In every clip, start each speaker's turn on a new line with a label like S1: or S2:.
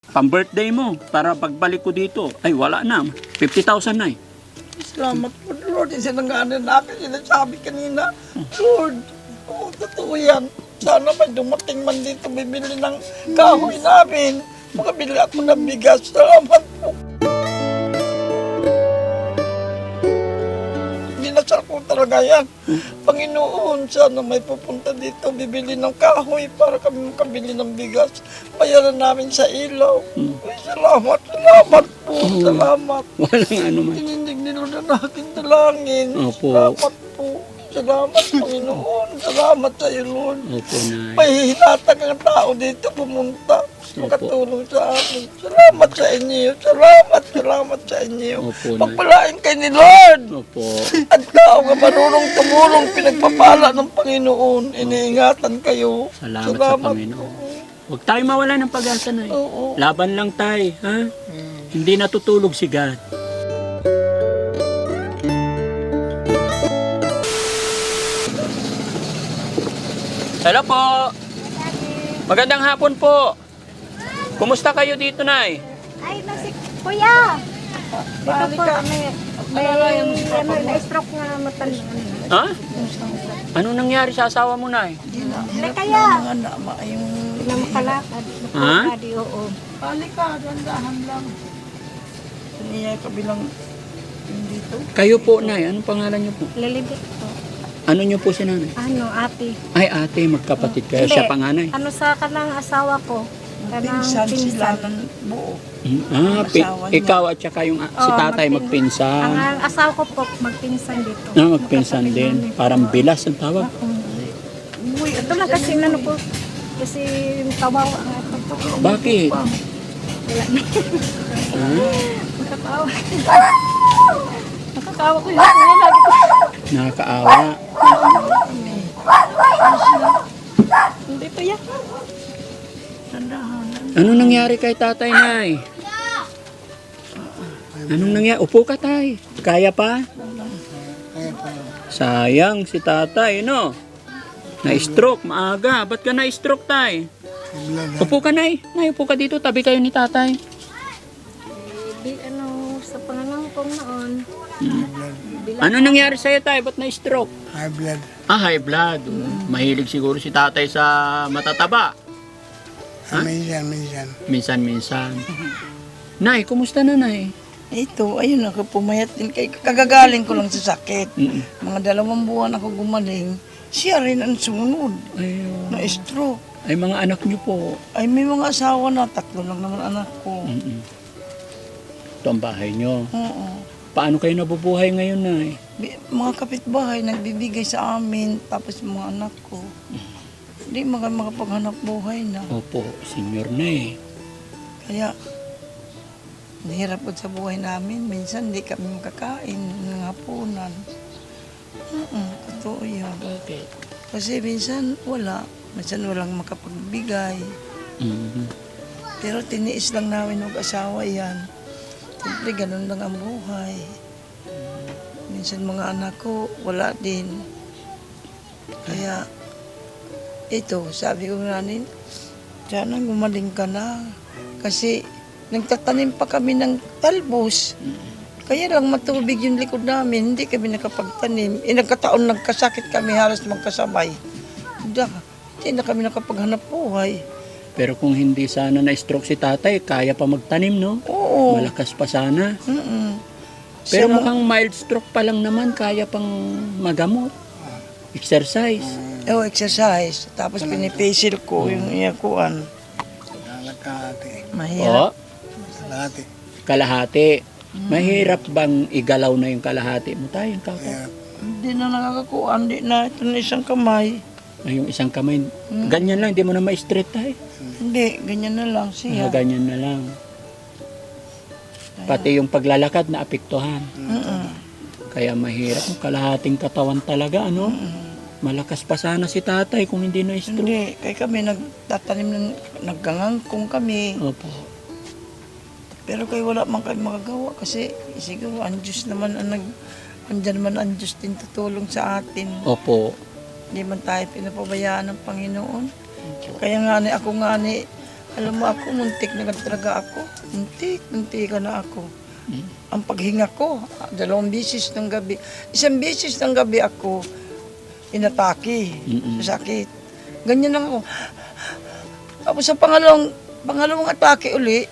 S1: Pang-birthday mo, para pagbalik ko dito, ay wala na. 50,000 na eh.
S2: Salamat po, Lord. Isinanganan natin, sinasabi kanina. Lord, totoo yan. Sana may dumating man dito, bibili ng kahoy namin. Makabili ako ng bigas. Salamat po. Dinasal ko talaga yan. Panginoon, sana may pupunta dito, bibili ng kahoy para kami makabili ng bigas. Bayaran namin sa ilaw. Ay, salamat po. Salamat.
S1: Walang ano man.
S2: Tinindig ni Lord ang aking dalangin.
S1: Opo.
S2: Salamat po. Salamat, Panginoon. Salamat sa iyo, Lord.
S1: Opo, Nay.
S2: May hinatag ang tao dito pumunta. Makatulong sa amin. Salamat sa inyo. Salamat sa inyo.
S1: Opo, Nay.
S2: Pagpalain kayo ni Lord.
S1: Opo.
S2: At tao nga marunong tumulong, pinagpapala ng Panginoon. Iniingatan kayo.
S1: Salamat sa Panginoon. Huwag tayo mawala ng pag-asa, Nay.
S2: Oo.
S1: Laban lang tayo, ha? Hindi natutulog si God. Hello po. Magandang hapon po. Kumusta kayo dito, Nay?
S3: Ay, kuya! Dito po, may na-stroke nga matanda.
S1: Ha? Ano nangyari sa asawa mo, Nay?
S3: Hindi kaya.
S2: Mga nama yung...
S3: Na makalakad.
S1: Ha?
S3: Oo.
S2: Halika, dandahan lang. Niya kabilang yung dito.
S1: Kayo po, Nay. Anong pangalan niyo po?
S3: Lilibit po.
S1: Ano niyo po si Nanay?
S3: Ano, ate?
S1: Ay, ate, magkapatid kayo.
S3: Hindi.
S1: Siya panganay.
S3: Ano sa kanang asawa ko? Kanang
S2: Pinsan sila
S3: pinsan.
S2: ng buo.
S1: Ah, ikaw at saka yung si tatay magpinsan.
S3: Ang asawa ko po, magpinsan dito.
S1: Magpinsan din. Parang bilas ang tawag.
S3: Uy, ito lang kasi ano po. Kasi kawawa nga ito po.
S1: Bakit?
S3: Wala na.
S1: Ah,
S3: Nakakawa. Nakakawa ko yun. Lagi ko.
S1: nakakaawa.
S3: Hindi pa yan.
S2: Dandahan.
S1: Anong nangyari kay tatay, Nay? Anong nangyari? Upo ka, tay. Kaya pa? Sayang si tatay, no? Na-stroke, maaga. Ba't ka na-stroke, tay? Upo ka, Nay. Nay, upo ka dito. Tabi kayo ni tatay.
S3: Di ano, sa panganangkong noon.
S1: Ano nangyari sa'yo, tay? Ba't na-stroke?
S4: High blood.
S1: Ah, high blood. Mahilig siguro si tatay sa matataba.
S4: Minsan.
S1: Minsan-minsan. Nay, kumusta na, Nay?
S2: Ito, ayun ako, pumayat din kay kagagaling ko lang sa sakit.
S1: Mm-mm.
S2: Mga 2 buwan ako gumaling. Siya rin ang sumunod
S1: Ayun.
S2: na stroke.
S1: Ay, mga anak niyo po.
S2: Ay, may mga asawa na, 3 lang naman anak ko.
S1: Mm-mm. Ito ang bahay niyo.
S2: Oo.
S1: Paano kayo nabubuhay ngayon, Nay?
S2: Mga kapitbahay nagbibigay sa amin, tapos mga anak ko. Hindi makapaghanap buhay na.
S1: Opo, senior na eh.
S2: Kaya, nahirap po sa buhay namin. Minsan hindi kami makakain ng hapunan. Totoo yan.
S1: Bakit?
S2: Kasi minsan wala. Minsan walang makapagbigay.
S1: Mhm.
S2: Pero tiniis lang namin mag-asawa yan. Siyempre, ganun lang ang buhay. Minsan mga anak ko, wala din. Kaya, ito, sabi ko nanin, sana gumaling ka na. Kasi, nagtatanim pa kami ng talbos. Kaya lang matubig yung likod namin, hindi kami nakapagtanim. Nagkataon nagkasakit kami, halos magkasabay. Hindi na kami nakapaghanap buhay.
S1: Pero kung hindi sana na-stroke si tatay, kaya pa magtanim, no?
S2: Oo.
S1: Malakas pa sana. Pero
S2: Siya
S1: mukhang mild stroke pa lang naman, kaya pang magamot. Exercise.
S2: exercise. Tapos pinipisil ko yung iyakuan.
S4: Kalahati.
S2: Mahirap.
S1: O,
S4: Kalahati.
S1: kalahati. Mahirap bang igalaw na yung kalahati mo tayo?
S4: Kaya
S2: Hindi na nakakakuan. Hindi na. Ito na isang kamay.
S1: Ay, yung isang kamay, ganyan lang, hindi mo na ma-straight tayo.
S2: Hindi. Ganyan na lang siya.
S1: Ganyan na lang. Pati yung paglalakad na apektuhan. Kaya mahirap yung kalahating katawan talaga, ano? Malakas pa sana si tatay kung hindi na-stroke.
S2: Hindi. Kaya kami nagtatanim ng naggangangkong kami.
S1: Opo.
S2: Pero kayo wala man kayo magagawa kasi siguro ang Diyos naman ang andyan naman ang Diyos din tutulong sa atin.
S1: Opo.
S2: Hindi man tayo pinapabayaan ng Panginoon. Kaya nga ako nga Alam mo ako, muntik na talaga ako. Muntik na ako. Ang paghinga ko, 2 beses ng gabi. 1 beses ng gabi ako inatake sa sakit. Ganyan lang ako. Tapos sa pangalawang atake uli,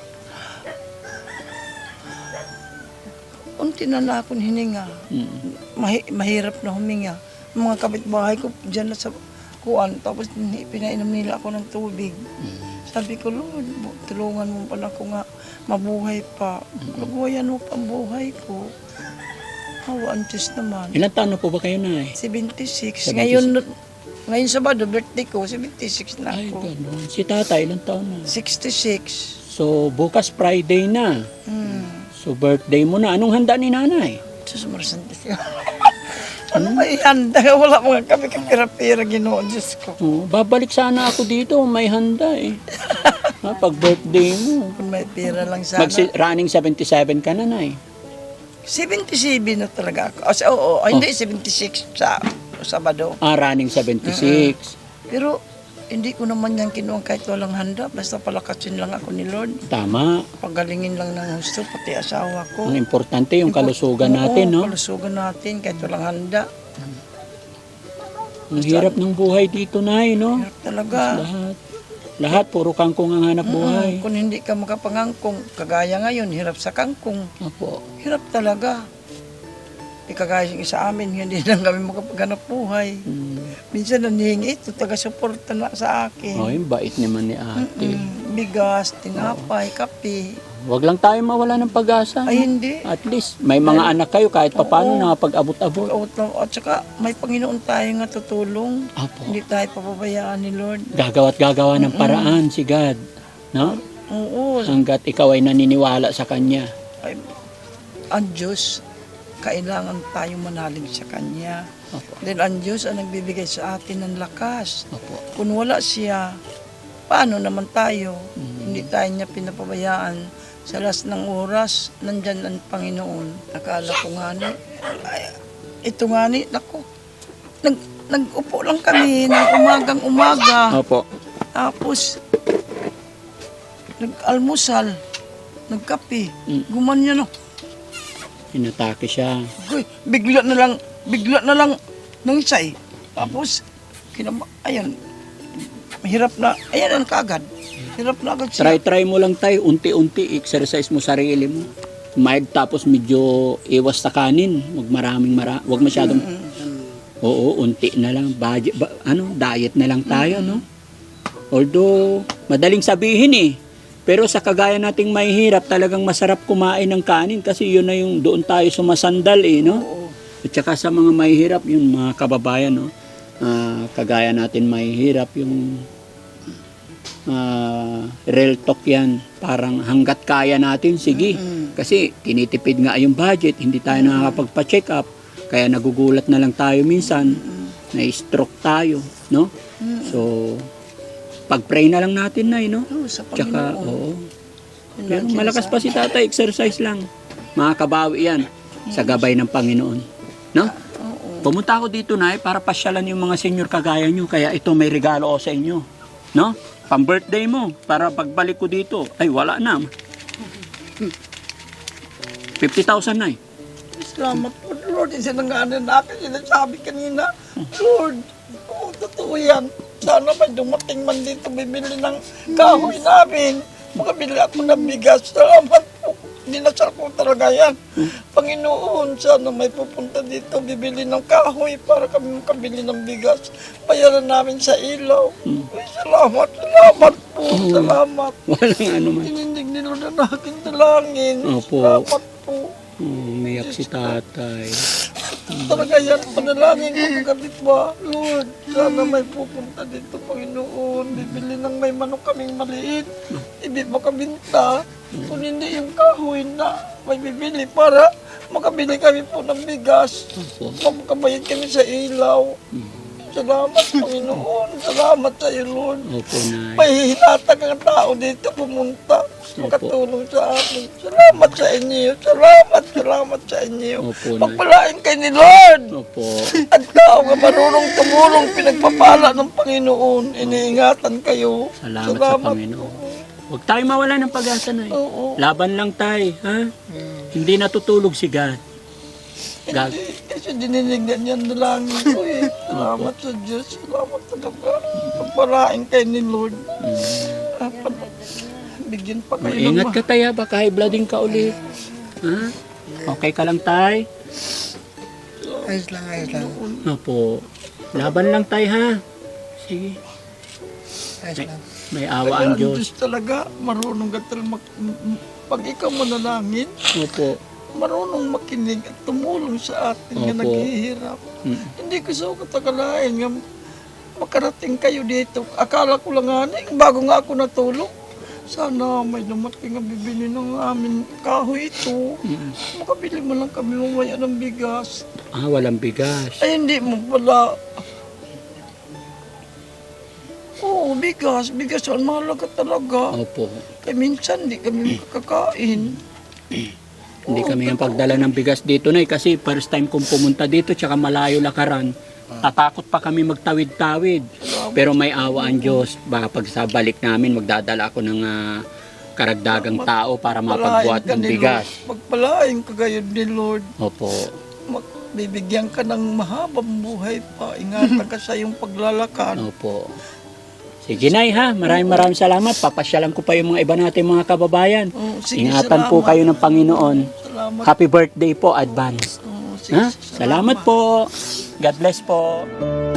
S2: unti na akong hininga. Mahirap na huminga. Mga kapitbahay ko dyan na sa kuwan, tapos pinainom nila ako ng tubig. Sabi ko, Lord, tulungan mo pala ako nga mabuhay pa. Mabuhayan mo pa ang buhay ko. Hawaan Diyos naman.
S1: Ilan taon na po ba kayo na
S2: 76.
S1: 76.
S2: Ngayon Sabado, birthday ko, 76 na
S1: Ay,
S2: ako.
S1: ganun. Si tatay, ilan taon na?
S2: 66.
S1: So, bukas Friday na. So, birthday mo na. Anong handa ni nanay?
S2: Diyos marasantis ka. Ano ba ihanda? Wala mga kami kapira-pira, Ginoo, Diyos ko.
S1: Oh, babalik sana ako dito. May handa eh. Pag birthday mo.
S2: Kung may pira lang sana.
S1: Running 77 ka na, nay.
S2: 77 na talaga ako. Hindi, 76 sa Sabado.
S1: Running 76.
S2: Pero hindi ko naman yan kinuha kahit walang handa. Basta palakasin lang ako ni Lord.
S1: Tama.
S2: Pagalingin lang ng gusto, pati asawa ko.
S1: Ang importante yung kalusugan natin, no?
S2: Kalusugan natin kahit walang handa.
S1: Ang hirap ng buhay dito, nay, no?
S2: Hirap talaga.
S1: Lahat, puro kangkong ang hanap buhay.
S2: Kung hindi ka makapangangkong, kagaya ngayon, hirap sa kangkong.
S1: Opo.
S2: Hirap talaga. Kagaya sa amin, hindi lang kami makapaghanap buhay. Minsan nanihingi ito, taga-suporta na sa akin.
S1: Oh, yung bait naman ni ate.
S2: Bigas, tinapay, kape.
S1: Huwag lang tayo mawala ng pag-asa.
S2: Ay, hindi.
S1: At least, may mga anak kayo kahit paano nakapag-abot-abot.
S2: At saka may Panginoon tayo nga tutulong.
S1: Apo.
S2: Hindi tayo papabayaan ni Lord.
S1: Gagawa't gagawa ng paraan si God. No?
S2: Oo.
S1: Hanggat ikaw ay naniniwala sa Kanya.
S2: Ay, ang Diyos, kailangan tayong manalig sa Kanya.
S1: Opo.
S2: Dahil ang Diyos ang nagbibigay sa atin ng lakas.
S1: Opo.
S2: Kung wala siya, paano naman tayo? Hindi tayo niya pinapabayaan. Sa last ng oras, nandyan ang Panginoon. Nakala ko nga ito nga naku, nag-upo lang kami ng umagang-umaga.
S1: Opo.
S2: Tapos, nag-almusal, nagkape, gumanyan ako.
S1: Inatake siya.
S2: Uy, bigla na lang nung isa eh. Tapos, ayan, mahirap na, ayan ang kaagad. Hirap na agad siya.
S1: Try mo lang tayo, unti-unti, exercise mo sarili mo. Mild tapos medyo iwas sa kanin. Huwag masyadong, oo, unti na lang. Diet na lang tayo, no? Although, madaling sabihin eh. Pero sa kagaya nating mahihirap, talagang masarap kumain ng kanin kasi yun na yung doon tayo sumasandal eh, no? At saka sa mga mahihirap, yung mga kababayan, no? Kagaya natin mahihirap, yung real talk yan. Parang hanggat kaya natin, sige. Kasi tinitipid nga yung budget, hindi tayo nakakapagpa-check up. Kaya nagugulat na lang tayo minsan, na-stroke tayo, no? So, pag-pray na lang natin na, no?
S2: Sa
S1: Tsaka,
S2: Panginoon.
S1: oo.
S2: Yun
S1: Pero
S2: lang
S1: malakas pa si tatay, exercise lang. Makakabawi yan sa gabay ng Panginoon. No?
S2: Oo.
S1: Pumunta ako dito na para pasyalan yung mga senior kagaya nyo. Kaya ito may regalo ko sa inyo. No? Pang-birthday mo. Para pagbalik ko dito. Ay, wala na. 50,000 na eh.
S2: Salamat po, Lord. Isinanganan natin, sinasabi kanina. Lord, totoo yan. Sana may dumating man dito, bibili ng kahoy namin. Makabili ako ng bigas. Salamat po. Dinasal ko talaga yan. Panginoon, sana may pupunta dito, bibili ng kahoy para kami makabili ng bigas. Bayaran namin sa ilaw. Ay, salamat po. Salamat.
S1: Walang ano man.
S2: Tinindig ni Lord ang aking dalangin.
S1: Opo.
S2: Salamat po.
S1: Umiyak si tatay.
S2: Talaga yan, panalangin ko kagabi pa. Lord, sana may pupunta dito, Panginoon. Bibili ng may manok kaming maliit. Ibig makabinta. Kung hindi yung kahoy na may bibili para makabili kami po ng bigas. Makabayad kami sa ilaw. Salamat, Panginoon. Salamat sa iyo, Lord.
S1: Opo, Nay.
S2: May hinatag ang tao dito pumunta. Makatulong sa amin. Salamat sa inyo. Salamat sa inyo.
S1: Opo, Nay.
S2: Pagpalain kayo ni Lord.
S1: Opo.
S2: At tao nga marunong tumulong, pinagpapala ng Panginoon. Iniingatan kayo.
S1: Salamat sa Panginoon. Huwag tayo mawala ng pag-asa na.
S2: Oo.
S1: Laban lang tayo, ha? Hindi natutulog si God. God.
S2: Kasi dinilingan yan na lang ko eh. Salamat sa Diyos. Salamat talaga. Pagpalain kayo ni Lord. Bigyan pa kayo ng
S1: Ingat ka tayo, baka high blooding ka ulit. Ha? Okay ka lang tay?
S4: Ayos lang, ayos lang.
S1: Opo. Laban lang tayo, ha? Sige.
S4: Ayos lang.
S1: May awa ang Diyos.
S2: Diyos talaga. Marunong ka talaga pag ikaw manalangin,
S1: Opo.
S2: marunong makinig at tumulong sa atin na
S1: Opo.
S2: naghihirap.
S1: Mm.
S2: Hindi ko sa katagalain nga makarating kayo dito. Akala ko lang nga bago nga ako natulog. Sana may dumating ang bibili ng amin kahoy ito.
S1: Mm.
S2: Makabili mo lang kami mamaya ng bigas.
S1: Ah, walang bigas.
S2: Ay, hindi mo pala. Oo, bigas. Bigas ang mahalaga talaga.
S1: Opo.
S2: Kaya minsan hindi kami makakakain.
S1: Hindi kami yung pagdala ng bigas dito na kasi first time kong pumunta dito tsaka malayo lakaran. Tatakot pa kami magtawid-tawid. Pero may awa ang Diyos. Baka pag sa balik namin magdadala ako ng karagdagang tao para mapagbuhat ng bigas.
S2: Pagpalain ka gayon ni Lord.
S1: Opo.
S2: Bibigyan ka ng mahabang buhay pa. Ingatan ka sa iyong paglalakad.
S1: Opo. Sige Nay ha, maraming salamat. Papasyalan ko pa yung mga iba natin mga kababayan.
S2: Oo, sige,
S1: Ingatan po
S2: salamat.
S1: kayo ng Panginoon.
S2: Salamat.
S1: Happy birthday po, advance.
S2: Oo, sige,
S1: Ha? Salamat po. God bless po.